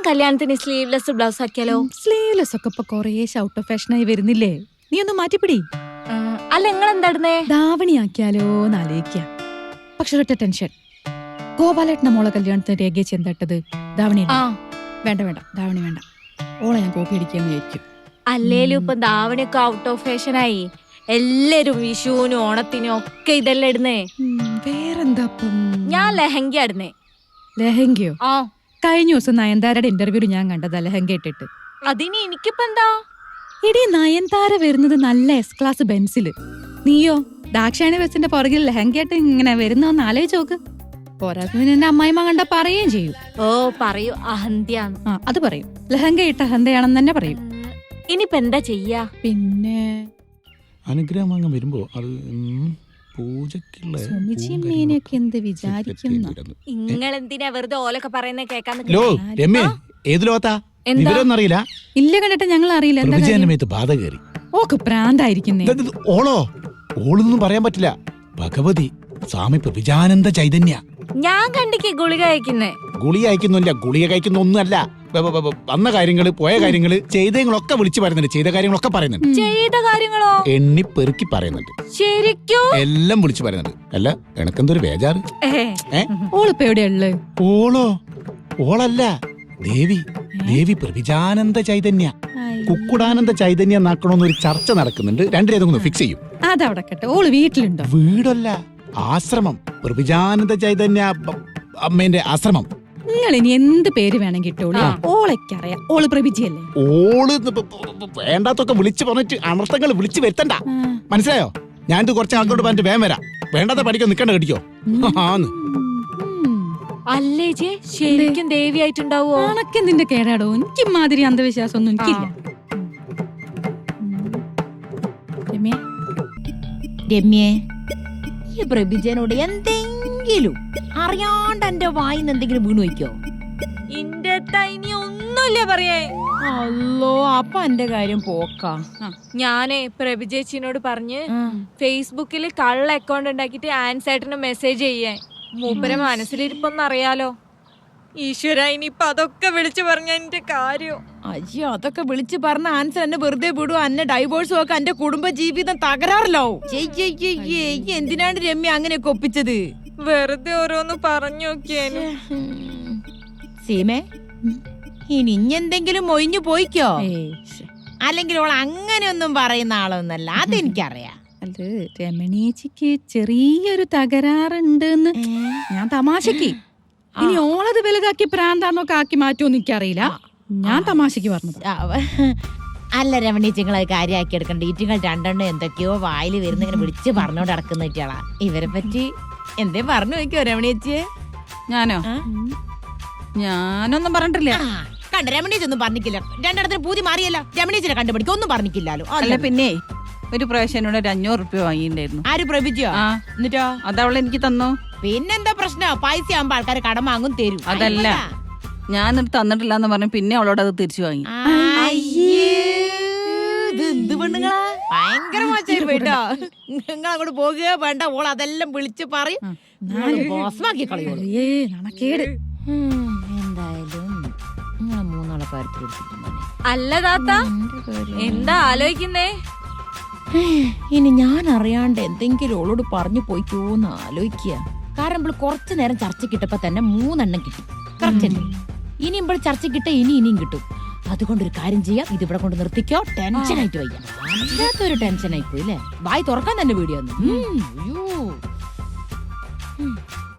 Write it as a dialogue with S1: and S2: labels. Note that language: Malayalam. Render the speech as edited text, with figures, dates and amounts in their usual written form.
S1: കല്യാണത്തിന് സ്ലീവ്ലെസ് ബ്ലൗസ് ആക്കിയാലോ?
S2: സ്ലീവ്ലെസ് ഒക്കെ ഇപ്പൊ കൊറേ ഔട്ട് ഓഫ് ഫാഷനായി വരുന്നില്ലേ? നീ ഒന്ന് മാറ്റിപ്പിടി.
S1: അല്ല നിങ്ങൾ എന്താടുന്നേ?
S2: ധാവണി ആക്കിയാലോ എന്നാലോചിക്ക. പക്ഷെ ഒറ്റ ടെൻഷൻ, ഗോപാലേട്ടന്റെ മോളെ കല്യാണത്തിന് രേഖ ചെന്തട്ടത് ധാവണി. വേണ്ട വേണ്ട, ധാവണി വേണ്ട. ഓളെ ഞാൻ കോപ്പി അടിക്കാന്ന് വിചാരിക്കും.
S1: അല്ലേലും ഇപ്പൊ ധാവണിയൊക്കെ ഔട്ട് ഓഫ് ഫാഷനായി. എല്ലാരും വിഷുവിനും ഓണത്തിനും ഒക്കെ ഇതെല്ലാം ഇടുന്നേ.
S2: വേറെന്താ?
S1: ഞാൻ ലെഹങ്ക ഇടുന്നേ.
S2: ലെഹങ്കയോ?
S1: ആ,
S2: കഴിഞ്ഞ ദിവസം നയൻതാരയുടെ ഇന്റർവ്യൂല് ഞാൻ കണ്ടതാ ലെഹങ്ക ഇട്ടിട്ട്.
S1: അതിന് എനിക്കിപ്പോ എന്താ?
S2: എടി, നയൻതാര വരുന്നത് നല്ല എസ് ക്ലാസ് ബെൻസില്, നീയോ ദാക്ഷായണി ബസിന്റെ പുറകിൽ ലെഹങ്കയായിട്ട് ഇങ്ങനെ വരുന്നോന്ന് ആലോചിച്ച് നോക്ക്. പോരാത്തതിന് എന്റെ അമ്മായിമ്മ കണ്ട പറയുകയും ചെയ്യും.
S1: ഓ പറയൂ, അഹന്ത്യാന്ന്.
S2: അത് പറയും, ലെഹങ്ക ഇട്ട അഹന്തയാണെന്ന് തന്നെ പറയും.
S1: ഇനിയിപ്പോ എന്താ ചെയ്യാ?
S2: പിന്നെ
S3: അനുഗ്രഹം വാങ്ങാൻ വരുമ്പോ അത് പൂജക്കുള്ള
S2: സുമിച്ചിമ്മേനെയൊക്കെ എന്ത് വിചാരിക്കുന്നു?
S1: നിങ്ങളെന്തിനാ വെറുതെ ഓലൊക്കെ പറയുന്നത് കേൾക്കാൻ?
S3: വിവരമൊന്നറിയില്ല.
S2: ഇല്ല, കണ്ടിട്ട് ഞങ്ങൾ അറിയില്ല.
S3: ബാധ കയറി
S2: ഓക്ക് പ്രാന്തായിരിക്കുന്നേ.
S3: ഓളോ? ഓളൊന്നും പറയാൻ പറ്റില്ല. ഭഗവതി സ്വാമി പ്രവിജാനന്ദ ചൈതന്യ.
S1: ഞാൻ കണ്ടിക്ക് ഗുളിക കഴിക്കുന്നേ.
S3: ഗുളിക കഴിക്കുന്നില്ല, ഗുളിക കഴിക്കുന്ന ഒന്നുമല്ല. വന്ന കാര്യങ്ങള്, പോയ കാര്യങ്ങള്, ചെയ്തങ്ങളൊക്കെ വിളിച്ചു പറയുന്നുണ്ട്. ചെയ്ത കാര്യങ്ങളൊക്കെ പറയുന്നുണ്ട്.
S1: ചെയ്ത കാര്യങ്ങളോ?
S3: എണ്ണി പെറുക്കി പറയുന്നുണ്ട്.
S1: ശരിക്കും
S3: എല്ലാം വിളിച്ചു പറയുന്നുണ്ട്. അല്ല, എനക്കെന്തൊരു ബേജാറ്.
S2: ഓളിപ്പോ എവിടെയുള്ളു?
S3: ഓളോ? ഓളല്ല, ദേവി. ദേവി പ്രവിജാനന്ദ ചൈതന്യ, കുക്കുടാനന്ദ ചൈതന്യം എന്നാക്കണമെന്നൊരു ചർച്ച നടക്കുന്നുണ്ട്. രണ്ടിലേതൊന്ന് ഫിക്സ് ചെയ്യും.
S2: അതവിടെ കേട്ടോ. ഓള് വീട്ടിലുണ്ടോ?
S3: വീടല്ല, ആശ്രമം. പ്രവിജാനന്ദ ചൈതന്യ അമ്മേന്റെ ആശ്രമം.
S2: നിങ്ങൾ ഇനി എന്ത് പേര് വേണമെങ്കിൽ ഇട്ടോളൂ, ഓളെക്കറിയാം. ഓള് പ്രഭിജിയല്ലേ.
S3: ഓള് വേണ്ടാത്തൊക്കെ വിളിച്ചു പറഞ്ഞിട്ട് അനർത്ഥങ്ങൾ വിളിച്ചു വരുത്തണ്ട, മനസ്സിലായോ? ഞാനിത് കുറച്ച് ആൾക്കോട് പറഞ്ഞിട്ട് വേഗം വരാം. വേണ്ടാത്ത പഠിക്കോ, നിക്കണ്ട കടിക്കോ.
S1: അല്ലേ ചേ, ശരിക്കും ദേവിയായിട്ടുണ്ടാവോ?
S2: നിന്റെ കേടാടോ. എനിക്ക് മാതിരി അന്ധവിശ്വാസം ഒന്നും എനിക്കില്ല.
S4: രമ്യേ, ഈ പ്രഭിജനോട് എന്തെങ്കിലും അറിയാണ്ട് എന്റെ വായിന്ന് എന്തെങ്കിലും വീണു വയ്ക്കോ?
S1: ഇന്റെ ഇനി ഒന്നുമില്ല പറയേ.
S4: അല്ലോ, അപ്പൊ എന്റെ കാര്യം പോക്കാ.
S1: ഞാനേ പ്രഭിജേച്ചിനോട് പറഞ്ഞ് ഫേസ്ബുക്കിൽ കള്ള അക്കൗണ്ട് ഉണ്ടാക്കിട്ട് ആൻസേട്ടന് മെസ്സേജ് ചെയ്യാൻ. മൂപ്പര മനസ്സിലിരിപ്പൊന്നും അറിയാലോ. ഈശ്വര, ഇനിയിപ്പൊ അതൊക്കെ വിളിച്ചു പറഞ്ഞ എന്റെ കാര്യം.
S4: അയ്യോ, അതൊക്കെ വിളിച്ചു പറഞ്ഞ ആൻസർ എന്നെ വെറുതെ വിടുവോ? എന്നെ ഡൈവോഴ്സും ഒക്കെ എന്റെ കുടുംബ ജീവിതം തകരാറില്ലോ. എന്തിനാണ് രമ്യ അങ്ങനെയൊക്കെ ഒപ്പിച്ചത്?
S1: വെറുതെ ഓരോന്ന് പറഞ്ഞു നോക്കിയേനു.
S4: സീമേ, ഇനി ഇഞ്ഞെന്തെങ്കിലും ഒഴിഞ്ഞു പോയിക്കോ. അല്ലെങ്കിൽ അവൾ അങ്ങനെയൊന്നും പറയുന്ന ആളൊന്നല്ല, അതെനിക്കറിയാം.
S2: അത് രമണീച്ചിക്ക് ചെറിയൊരു തകരാറുണ്ടെന്ന് ഞാൻ തമാശക്ക്. ഇനി ഓളത് വലുതാക്കി പ്രാന്താന്നൊക്കെ ആക്കി മാറ്റുമെന്ന് എനിക്കറിയില്ല. ഞാൻ തമാശക്ക് പറഞ്ഞത്.
S4: അല്ല രമണീച്ചിങ്ങൾ അത് കാര്യമാക്കി എടുക്കണ്ട. ഈറ്റുങ്ങൾ രണ്ടെണ്ണം എന്തൊക്കെയോ വായിൽ വരുന്നിങ്ങനെ വിളിച്ച് പറഞ്ഞോണ്ട് നടക്കുന്ന കുട്ടികളാ. ഇവരെ പറ്റി എന്തേ പറഞ്ഞു നോക്കിയോ രമണീച്ചിയെ?
S2: ഞാനോ? ഞാനൊന്നും പറഞ്ഞിട്ടില്ല.
S4: കണ്ട, രമണീച്ചൊന്നും പറഞ്ഞിട്ടില്ല. രണ്ടിടത്തിന് പൂതി മാറിയല്ലോ. രമണീച്ചിനെ കണ്ടുപിടിക്കും ഒന്നും പറഞ്ഞിട്ടില്ലല്ലോ.
S2: അല്ല, പിന്നെ ഒരു പ്രാവശ്യം ഒരു 500 റുപ്യ വാങ്ങിണ്ടായിരുന്നു.
S4: ആര് പ്രഭിച്ചോ? എന്നിട്ടോ?
S2: അതവളെ എനിക്ക് തന്നു.
S4: പിന്നെന്താ പ്രശ്നം? പൈസ ആകുമ്പോ ആൾക്കാര് കടം വാങ്ങും, തരും.
S2: അതല്ല, ഞാൻ തന്നിട്ടില്ല എന്ന് പറഞ്ഞു പിന്നെ അവളോട് അത് തിരിച്ചു വാങ്ങി.
S4: എന്ത് പെണ്ണുങ്ങളാ, ഭയങ്കര മോശമായി പോയിട്ടോ. നിങ്ങൾ അങ്ങോട്ട് പോകുക വേണ്ട. ഓൾ അതെല്ലാം വിളിച്ച് പറയും, മോശമാക്കി കളയോളൂ. എന്തായാലും മൂന്നാളെ കാര്യത്തിൽ.
S1: അല്ല താത്ത, എന്താ ആലോചിക്കുന്നേ?
S4: ഇനി ഞാൻ അറിയാണ്ട് എന്തെങ്കിലും ഓളോട് പറഞ്ഞു പോയിക്കോന്ന് ആലോചിക്കുക. കാരണം ഇപ്പോൾ കുറച്ചു നേരം ചർച്ച കിട്ടപ്പോ തന്നെ 3 എണ്ണം കിട്ടി. കറക്റ്റ് അല്ലേ? ഇനി ഇപ്പോൾ ചർച്ച കിട്ട ഇനിയും കിട്ടും. അതുകൊണ്ടൊരു കാര്യം ചെയ്യാം, ഇതിവിടെ കൊണ്ട് നിർത്തിക്കോ. ടെൻഷനായിട്ട് വയ്യ, അല്ലാത്തൊരു ടെൻഷൻ ആയിപ്പോയി അല്ലേ? വായി തുറക്കാൻ തന്നെ വീഡിയോ.